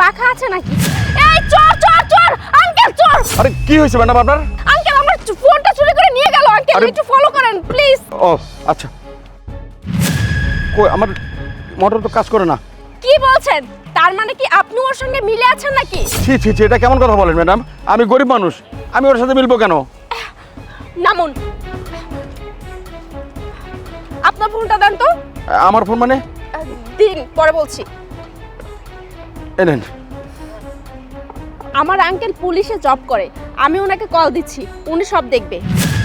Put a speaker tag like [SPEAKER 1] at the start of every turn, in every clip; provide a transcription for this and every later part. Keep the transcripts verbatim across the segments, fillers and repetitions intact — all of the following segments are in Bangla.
[SPEAKER 1] পাখা আছে নাকি? এই চোর চোর চোর আঙ্কেল চোর!
[SPEAKER 2] আরে কি হয়েছে ম্যাডাম আপনার?
[SPEAKER 1] আঙ্কেল আমার ফোনটা চুরি করে নিয়ে গেল আঙ্কেল,
[SPEAKER 2] আরে-
[SPEAKER 1] একটু ফলো করেন প্লিজ।
[SPEAKER 2] ও আচ্ছা, কই আমার মোটর তো কাজ করে না।
[SPEAKER 1] কি বলছেন? তার মানে কি আপনি ওর সঙ্গে মিলে আছেন নাকি?
[SPEAKER 2] ছি ছি ছি, এটা কেমন কথা বলেন ম্যাডাম? আমি গরিব মানুষ, আমি ওর সাথে মিলবো কেন?
[SPEAKER 1] নামুন, আপনার ফোনটা দেন তো।
[SPEAKER 2] আমার ফোন মানে?
[SPEAKER 1] আহ, দিন, পরে বলছি।
[SPEAKER 2] এনেন।
[SPEAKER 1] আমার আঙ্কেল পুলিশে জব করে, আমি ওনাকে কল দিচ্ছি, উনি সব দেখবে।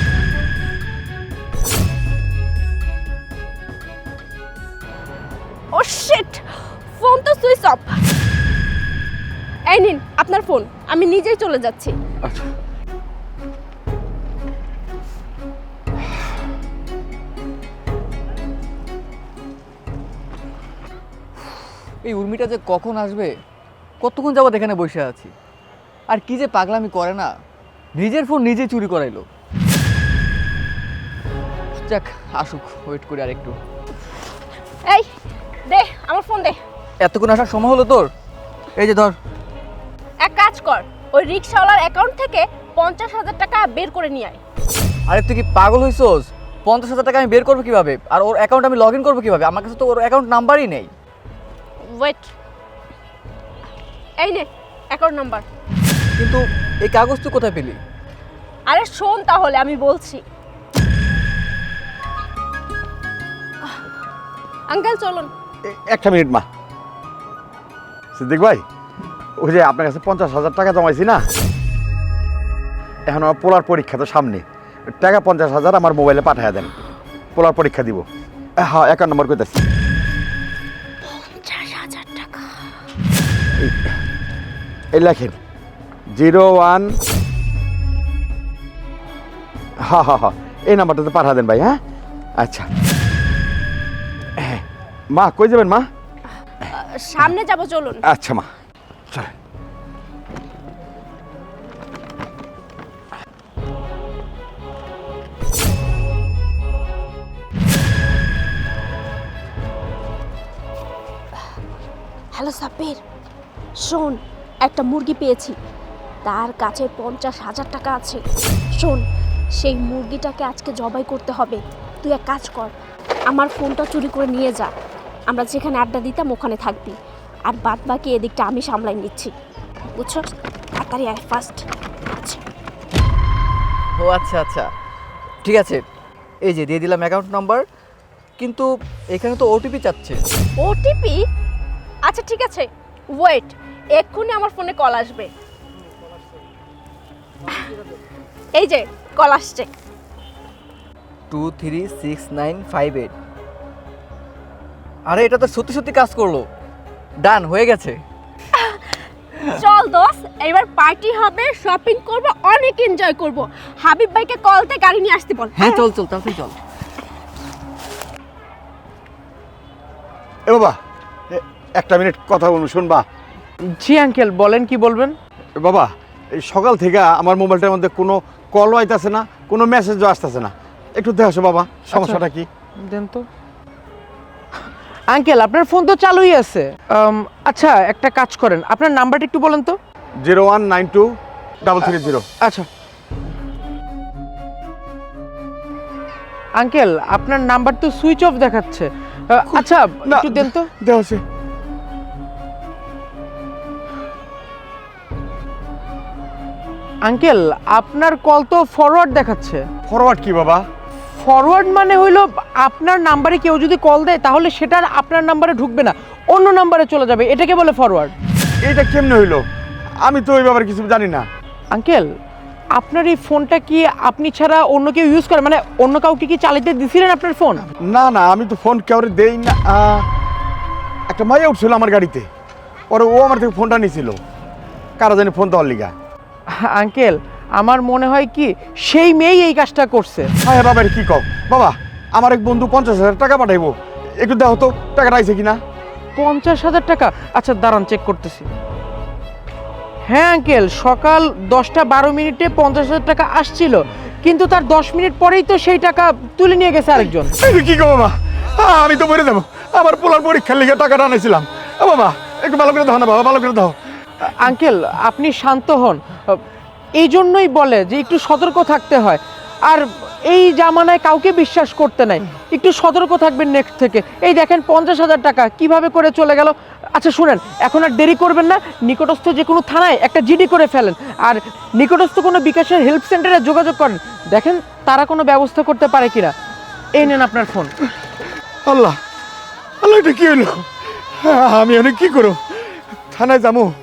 [SPEAKER 1] ও শিট, ফোন তো সুইচ অফ। এই নিন আপনার ফোন, আমি নিজেই চলে যাচ্ছি।
[SPEAKER 2] আচ্ছা
[SPEAKER 3] এই উর্মিটা যে কখন আসবে, কতক্ষণ যাবত এখানে বসে আছি, আর কি যে পাগলামি করে না, নিজের ফোন নিজে চুরি করাইলো। যাক আসুক, ওয়েট করি আর একটু।
[SPEAKER 1] এই দে আমার ফোন দে।
[SPEAKER 3] এতক্ষণ আসার সময় হলো তোর? এই যে ধর।
[SPEAKER 1] এক কাজ কর, ওই রিক্সাওয়ালার অ্যাকাউন্ট থেকে পঞ্চাশ হাজার টাকা বের করে নিয়ে আয়।
[SPEAKER 3] আরে তুই কি পাগল হইছস? পঞ্চাশ হাজার টাকা আমি বের করবো কিভাবে, আর ওর অ্যাকাউন্ট আমি লগ ইন করবো কিভাবে? আমার কাছে তো ওর অ্যাকাউন্ট নাম্বারই নেই।
[SPEAKER 1] ওয়েট, এই নে অ্যাকাউন্ট নাম্বার।
[SPEAKER 3] কিন্তু এই কাগজ তুই কোথায় পেলি?
[SPEAKER 1] আরে শোন তাহলে, আমি বলছি। আঙ্কেল চলুন।
[SPEAKER 2] এ- একটা মিনিট মা। সিদ্দিক ভাই, ওই যে আপনার কাছে পঞ্চাশ হাজার টাকা জমাইছি না, এখন আমার পোলার পরীক্ষা তো সামনে, টাকা পঞ্চাশ হাজার আমার মোবাইলে পাঠিয়ে দেন, পোলার পরীক্ষা দিব। হ্যাঁ, অ্যাকাউন্ট নম্বর কোথায়?
[SPEAKER 1] পঞ্চাশ হাজার টাকা।
[SPEAKER 2] এই লেখেন জিরো ওয়ান। হ্যাঁ হ্যাঁ হ্যাঁ, এই নাম্বারটাতে পাঠা দেন ভাই। হ্যাঁ আচ্ছা। হ্যাঁ মা, কই যাবেন মা?
[SPEAKER 1] সামনে যাব, চলুন।
[SPEAKER 2] আচ্ছা মা, চল।
[SPEAKER 1] হ্যালো সাব্বির, শোন একটা মুরগি পেয়েছি, তার কাছে পঞ্চাশ হাজার টাকা আছে। শোন, সেই মুরগিটাকে আজকে জবাই করতে হবে। তুই এক কাজ কর, আমার ফোনটা চুরি করে নিয়ে যা, আমরা যেখানে আড্ডা দিতাম ওখানে থাকবি, আর বাদ বাকি এদিকটা আমি সামলাই নিচ্ছি, বুঝছো? তাড়াতাড়ি আয়, ফার্স্ট। আচ্ছা
[SPEAKER 3] ও আচ্ছা আচ্ছা, ঠিক আছে, এই যে দিয়ে দিলাম অ্যাকাউন্ট নাম্বার, কিন্তু এখানে তো ওটিপি চাচ্ছে।
[SPEAKER 1] ওটিপি? আচ্ছা ঠিক আছে, ওয়েট, এক্ষুনি আমার ফোনে কল আসবে। এই যে কল আসছে।
[SPEAKER 3] Two three six nine five eight. আরে এটা তো সত্যি সত্যি কাজ করলো, ডান হয়ে গেছে।
[SPEAKER 1] চল দোস্ত, এবার পার্টি হবে, শপিং করব, অনেক এনজয় করব। হাবিব ভাইকে কল দিয়ে গাড়ি নিয়ে আসতে বল।
[SPEAKER 3] হ্যাঁ চল চল তাড়াতাড়ি চল।
[SPEAKER 2] এ বাবা, এ- একটা মিনিট কথা বলুন, শুনবা?
[SPEAKER 4] জি আঙ্কেল, বলেন কি বলবেন?
[SPEAKER 2] এ বাবা, এই সকাল থেকে আমার মোবাইলটার মধ্যে কোনো কলও আইতাছে না, কোনো মেসেজও আসতেছে না, একটু দেখো বাবা, সমস্যাটা কি?
[SPEAKER 4] দেন তো। আঙ্কেল আপনার ফোন তো চালুই আছে। আম, আচ্ছা একটা কাজ করেন, আপনার নাম্বারটা একটু বলেন তো।
[SPEAKER 2] Zero one nine two double three zero.
[SPEAKER 4] আচ্ছা আঙ্কেল, আপনার নাম্বার তো সুইচ অফ দেখাচ্ছে। আহ, আচ্ছা
[SPEAKER 2] না,
[SPEAKER 4] একটু দেন তো।
[SPEAKER 2] দেওয়া আছে।
[SPEAKER 4] আঙ্কেল আপনার কল তো ফরওয়ার্ড দেখাচ্ছে।
[SPEAKER 2] ফরওয়ার্ড কি বাবা?
[SPEAKER 4] ফরওয়ার্ড মানে হইলো আপনার নাম্বারে কেউ যদি কল দেয় তাহলে সেটা আর আপনার নাম্বারে ঢুকবে না, অন্য নাম্বারে চলে যাবে, এটাকে বলে ফরওয়ার্ড।
[SPEAKER 2] এইটা কেমনে হইলো? আমি তো ওই ব্যাপারে কিছু জানি না।
[SPEAKER 4] আঙ্কেল আপনার এই ফোনটা কি আপনি ছাড়া অন্য কেউ ইউজ করে, মানে অন্য কাউকে কি চালাতে দিছিলেন আপনার ফোন?
[SPEAKER 2] না না, আমি তো ফোন কাউরে দেই না। আহ, একটা মাইয়া উঠছিল আমার গাড়িতে, পরে ও আমার থেকে ফোনটা নিয়েছিল, কারা জানি ফোন দেওয়ার লিগা।
[SPEAKER 4] আঙ্কেল আমার মনে হয় কি সেই মেয়েই এই কাজটা করছে।
[SPEAKER 2] হ্যাঁ বাবা, কি কও বাবা? আমার এক বন্ধু পঞ্চাশ হাজার টাকা পাঠাইবো, একটু দেখো তো টাকাটা আইছে কিনা।
[SPEAKER 4] পঞ্চাশ হাজার টাকা? আচ্ছা দাঁড়ান চেক করতেছি। হ্যাঁ আঙ্কেল, সকাল দশটা বারো মিনিটে পঞ্চাশ হাজার টাকা আসছিল, কিন্তু তার দশ মিনিট পরেই তো সেই টাকা তুলে নিয়ে গেছে আরেকজন।
[SPEAKER 2] এই কি কো বাবা? আহ, আমি তো মরে যাবো, আমার পোলার পরীক্ষার লিগে টাকাটা আনাইছিলাম। ও বাবা, একটু ভালো করে দাও না বাবা, ভালো করে দাও।
[SPEAKER 4] আঙ্কেল আপনি শান্ত হন, এই জন্যই বলে যে একটু সতর্ক থাকতে হয়। আর এই জামানায় কাউকে বিশ্বাস করতে নাই, একটু সতর্ক থাকবেন নেক্সট থেকে। এই দেখেন পঞ্চাশ হাজার টাকা কিভাবে করে চলে গেল। আচ্ছা শুনেন, এখন আর দেরি করবেন না, নিকটস্থ যে কোনো থানায় একটা জিডি করে ফেলেন, আর নিকটস্থ কোনো বিকাশের হেল্প সেন্টারে যোগাযোগ করেন, দেখেন তারা কোনো ব্যবস্থা করতে পারে কিনা। এই নেন আপনার ফোন।
[SPEAKER 2] আল্লাহ আল্লাহ, এটা কি হইলো? আমি অনেক কি করো? থানায় যাবো?